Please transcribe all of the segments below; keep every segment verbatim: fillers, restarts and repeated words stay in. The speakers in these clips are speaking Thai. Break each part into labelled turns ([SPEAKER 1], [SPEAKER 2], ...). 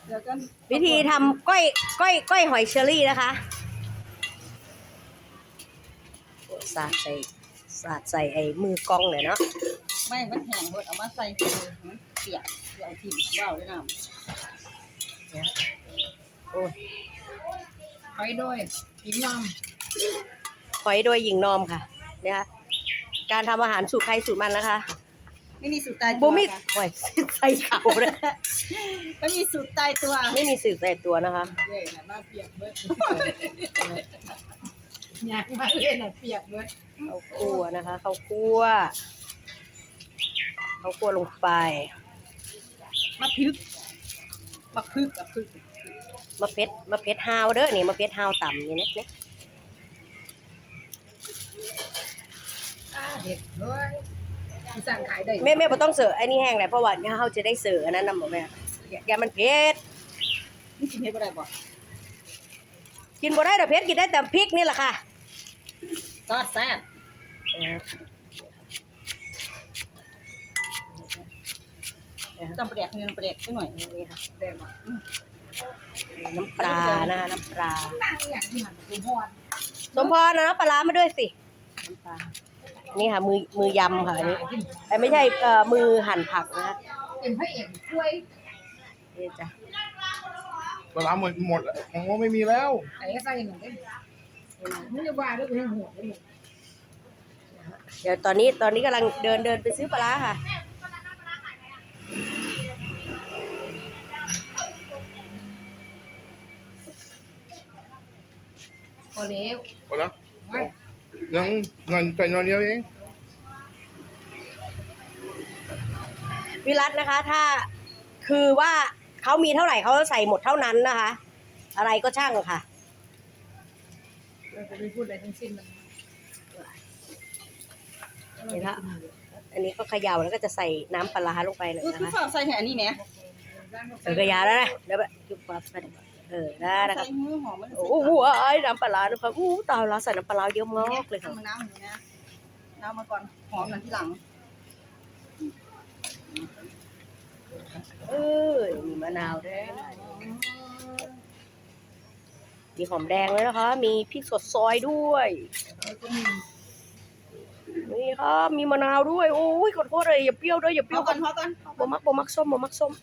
[SPEAKER 1] แล้วก็
[SPEAKER 2] วิธีทำก้อยก้อยก้อยหอยเชอรี่นะคะสาดใส่สาดใส่ไอ้มือกล้องเลยเนาะ
[SPEAKER 1] ไม่มันแห้งหมดเอามาใส่เลยมันเปียกเดี๋ยวทิ่มว่าวด้วยน้ำ
[SPEAKER 2] โอ้ย
[SPEAKER 1] ไปด้วยกินน้ำ
[SPEAKER 2] หอยโดยหญิงนอมค่ะเนี่ยค่ะการทำอาหารสูตรใครสูตรมันนะคะ
[SPEAKER 1] ไม่มีสูตรตายตั
[SPEAKER 2] บุ
[SPEAKER 1] ว
[SPEAKER 2] มิ
[SPEAKER 1] ค่ะ
[SPEAKER 2] หอยใส่เขาเลย
[SPEAKER 1] ไม่มีสูตรตายตัว
[SPEAKER 2] ไม่มีสูตรใส่ตัวนะคะ
[SPEAKER 1] เย่น่ะมาเปียกเบิดอยากมาเล่นน่ะเปียกเบิด
[SPEAKER 2] ข้าวคั่วนะคะข้าวคั่วข้าวคั่วลงไป
[SPEAKER 1] มาพึกมาพึกกับพึก
[SPEAKER 2] มะเพ็ดมะเพ็ดฮาวเด้อนี่มะเพ็ดฮาวต่ำนี่นะเนี่ย
[SPEAKER 1] เด็ดด้วยสั่งขายได้
[SPEAKER 2] แม่แม่บ่ต้องเสิร์ฟไอ้นี่แห้งเลยเพราะว่าเนี่ยเขาจะได้เสิร์ฟอันนั้นนำบ่แม่อย่าอย่ามันเผ็ด
[SPEAKER 1] นี่กินให้บ่ได้บ่
[SPEAKER 2] กินบ่ได้แต่เผ็ดกินได้แต่พริกนี่แหละค่ะ
[SPEAKER 1] ซอสแซ่บจำเปรียกเงินเปรียกสักหน่อยนี่ค่ะแซ่บอ่ะ
[SPEAKER 2] น้ำปลานะคะน้ำปลา
[SPEAKER 1] ตั้งอย่างที่มันเป็นพร
[SPEAKER 2] สมพรนะน้ำปลาร้ามาด้วยสิน้ำปลานี่ค่ะมือมือยำค่ะอันนี้แต่ไม่ใช่เอ่อมือหั่นผักนะคะ
[SPEAKER 1] เป็นพระเอกช่วย
[SPEAKER 2] นี่จ้ะ
[SPEAKER 3] ปลาร้าหมดหมดแล้วของว่าไม่มีแล้ว
[SPEAKER 1] ไอ้ใส่หนึ่งได้ไม่ได้ว่าด้วยหัวเลย
[SPEAKER 2] เดี๋ยวตอนนี้ตอนนี้กำลังเดินเดินไปซื้อปลาร้าค่ะ
[SPEAKER 1] พอแล้ว
[SPEAKER 3] หมดแล้วยังเงินใส่นอนเดียวเอง
[SPEAKER 2] วิรัตนะคะ ถ้าคือว่าเขามีเท่าไหร่เขาใส่หมดเท่านั้นนะคะ อะไรก็ช่างค่ะ
[SPEAKER 1] เราจะไม่พูดอะไรทั้งสิ้นมัน
[SPEAKER 2] เห็นละอันนี้ก็เขย่าแล้วก็จะใส่น้ำปลาร้าลงไปเลย
[SPEAKER 1] คือ
[SPEAKER 2] นะ
[SPEAKER 1] คือ
[SPEAKER 2] คะ
[SPEAKER 1] ฝากใส่แหนี่ไหม
[SPEAKER 2] เออเขย่าแล้วนะเดี๋ยวแบบจุ๊บปั๊บเออได้นะค
[SPEAKER 1] ใส่
[SPEAKER 2] รับ
[SPEAKER 1] มือหอมมัน
[SPEAKER 2] โอ้โหไอ้น้ำปลาร้านะคะอู้ตายแล้วใส่น้ำปลาร้าเยอะมากเลยค่ะ
[SPEAKER 1] มันน้ำอย่างนี้นะน้ำมาก่อนหอมนั่นที่หลัง
[SPEAKER 2] เออมีมะนาวด้วยมีหอมแดงเลยนะคะ มีพริกสดซอยด้วยนี่ครับมีมะนาวด้วยโอ้ยขอโทษเลยอย่าเปรี้ยวด้วยอย่าเป
[SPEAKER 1] เป
[SPEAKER 2] รี้
[SPEAKER 1] รี้
[SPEAKER 2] ย
[SPEAKER 1] ยว วก่อนพอก่อน
[SPEAKER 2] บ่มักบ่มักส้มบ่มักส้ม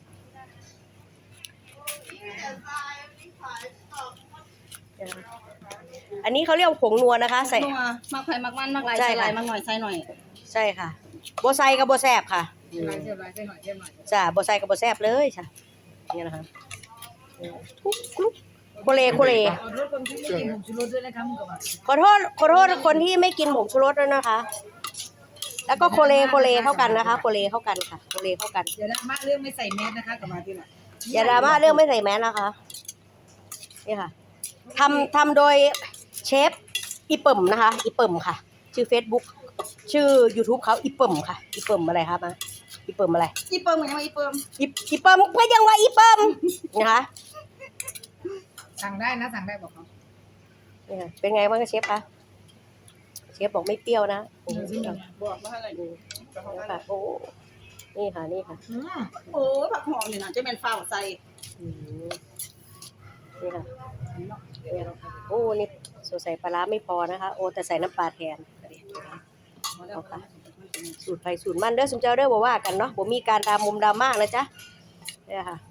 [SPEAKER 2] อันนี้เขาเรียกผงนัวนะคะ ใส่
[SPEAKER 1] นัวมักไผ่มักมันมักลาย
[SPEAKER 2] ใช่
[SPEAKER 1] ใส่
[SPEAKER 2] ค่ะ
[SPEAKER 1] ลายมักหน่อยใส่หน่อย
[SPEAKER 2] ใช่ค่ะโบไซกับโบแซบค่ะ
[SPEAKER 1] ลายเสียบลายใส่หน่อยเสียบหน่อย
[SPEAKER 2] จ้าโบไซกับโบแซบเลยค่ะนี่นะคะทุกคลุกโคเลโคเล
[SPEAKER 1] ขอโทษคนที่ไม่กินผงชูรสด้วยนะคะมึงกับว่า
[SPEAKER 2] ขอโทษขอโทษคนที่ไม่กินผงชูรสด้วยนะคะ แล้วก็โคเลโคเลเข้ากันนะคะโคเลเข้ากันค่ะโคเลเข้ากัน
[SPEAKER 1] เดี๋ยวนะมะเรื่องไม่ใส่แมสนะคะกับมาที่น่ะ
[SPEAKER 2] อย่าดราม่าเรื่องไม่ใส่แมสนะคะนี่ค่ะทำทำโดยเชฟอีเปิ่มนะคะอีเปิ่มค่ะ ชื่อ Facebook ชื่อ YouTube เขาอีเปิ่มค่ะอีเปิ่มอะไรครับมาอีเปิ่มอะไร
[SPEAKER 1] อีเปิมยังไงอีเปิม
[SPEAKER 2] อีอีเปิ่มก็ยังว่าอีเปิ่มนะคะ
[SPEAKER 1] สั่งได้นะสั่งได้บอกเขา
[SPEAKER 2] นี่ค่ะเป็นไงบ้างคะเชฟคะเชฟบอกไม่เปรี้ยวนะโอ้โห
[SPEAKER 1] บอกว่าอะไร
[SPEAKER 2] นี่ค่ะโอ้นี่ค่ะนี่ค่ะ
[SPEAKER 1] โอ้ผักหอมนี่นะจะเป็นฟ้าใส่
[SPEAKER 2] อืมนี่ค่ะนี่ค่ะโอ้นี่สงสัยปลาร้าไม่พอนะคะ โอ้แต่ใส่น้ำปลาแทนเอาค่ะสูตรไฟสูตรมันเด้อสมเจ้าเด้อบ่ว่ากันเนาะบ่มีการดรามุมดราม่านะจ๊ะเนี่ยค่ะ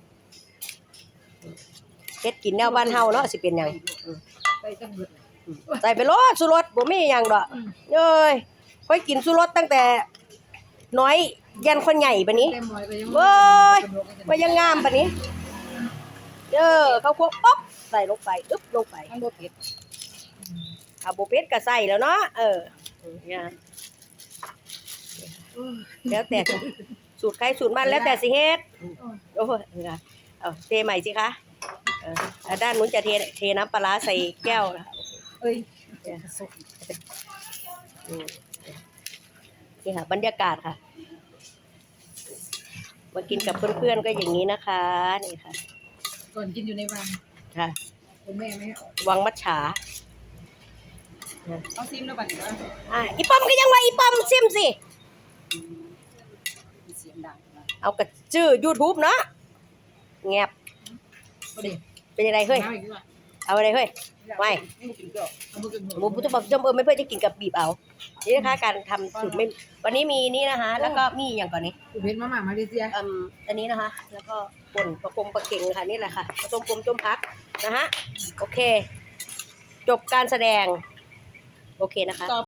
[SPEAKER 2] เฮ็ดกินแนวบ้านเฮาเนาะสิเป็นหยังอืม
[SPEAKER 1] ใส่ตั้งเบิด
[SPEAKER 2] อืมใส่ไปโลดสุรสบ่มีหยังดอกเอ้ยค่อยกินสุรสตั้งแต่น้อยยันคนใหญ่บัดนี้
[SPEAKER 1] เต็มร้อยไปยัง
[SPEAKER 2] เว้ยว่ายังงามปะนี้เด้อเขาควบป๊อบใส่ลงไปอึ๊บลงไป
[SPEAKER 1] มันโบเผ็ด
[SPEAKER 2] เอาโบเป็ดก็ใส่แล้วเนาะเออเนี่ยแล้วแต่สูตรใครสูตรมันแล้วแต่สิเฮ็ดโอ้ยเอาเอาเทใหม่สิคะเออแล้วด้านนู้นจะเทเทน้ำปลาร้าใส่แก้วนะ
[SPEAKER 1] เอ้ย
[SPEAKER 2] เนี่ยอืมนี่ค่ะบรรยากาศค่ะมากินกับเพื่อนๆก็อย่างนี้นะคะนี่ค่ะ
[SPEAKER 1] ก่อนกินอยู่ในวัง
[SPEAKER 2] ค่ะ
[SPEAKER 1] คุณแม่ไม่
[SPEAKER 2] วังมัจฉา
[SPEAKER 1] เอาซิมแล้วบัดนี้ว่า
[SPEAKER 2] อ่ะอีปอมก็ยังว่าอีปอมซิมสิ
[SPEAKER 1] เสียงดังนะ
[SPEAKER 2] เอากระชื่อ YouTube เนาะแงบเป็นยังไงเฮ้ยเอาอะไรเฮ้ยไม่หมูพุทธบอกจมเออไม่เพื่อจะกินกับบีบเอานี่นะคะการทำสูตรไม่วันนี้มีนี่นะคะ แล้วก็มีอย่างก่อนนี้
[SPEAKER 1] เพชรมาหมามาเลเซีย
[SPEAKER 2] อืมอันนี้นะคะ แล้วก็ป่นประกงประเก่งค่ะนี่แหละค่ะผสมกลมจมพักนะฮะโอเค จบการแสดงโอเคนะคะ